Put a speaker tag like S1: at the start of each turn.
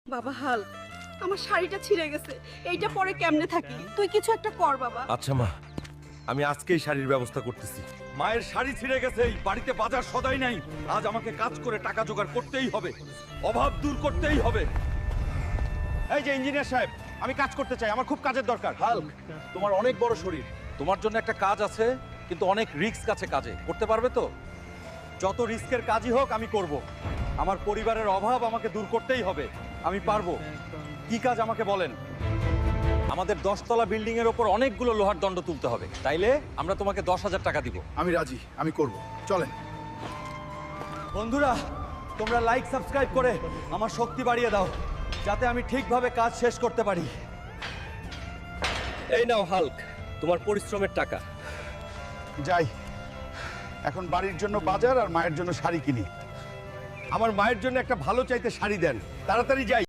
S1: বাবা হাল, আমার শাড়িটা ছিঁড়ে গেছে, এইটা পরে কেমনে থাকি? তুই কিছু একটা কর বাবা।
S2: আচ্ছা মা, আমি আজকেই শাড়ির ব্যবস্থা করতেছি। মায়ের শাড়ি ছিঁড়ে গেছে, এই বাড়িতে বাজার সদাই নাই। আজ আমাকে কাজ করে টাকা জোগাড় করতেই হবে, অভাব দূর করতেই হবে।
S3: এই যে ইঞ্জিনিয়ার সাহেব, আমি কাজ করতে চাই, আমার খুব কাজের দরকার।
S2: হাল্ক, তোমার অনেক বড় শরীর, তোমার জন্য একটা কাজ আছে, কিন্তু অনেক রিস্ক আছে কাজে। করতে পারবে তো?
S3: যত রিস্কের কাজই হোক আমি করব। আমার পরিবারের অভাব আমাকে দূর করতেই হবে, আমি পারবো। কি কাজ আমাকে বলেন।
S2: আমাদের 10তলা বিল্ডিং এর উপর অনেকগুলো লোহার দণ্ড তুলতে হবে, তাইলে আমরা তোমাকে 10,000 টাকা দিব।
S4: আমি রাজি, আমি করব, চলেন।
S3: বন্ধুরা, তোমরা লাইক সাবস্ক্রাইব করে আমার শক্তি বাড়িয়ে দাও, যাতে আমি ঠিকভাবে কাজ শেষ করতে পারি।
S2: এই নাও হাল্ক, তোমার পরিশ্রমের টাকা।
S4: যাই, এখন বাড়ির জন্য বাজার আর মায়ের জন্য শাড়ি কিনি।
S3: আমার মায়ের জন্য একটা ভালো চাইতে শাড়ি দেন, তাড়াতাড়ি যাই।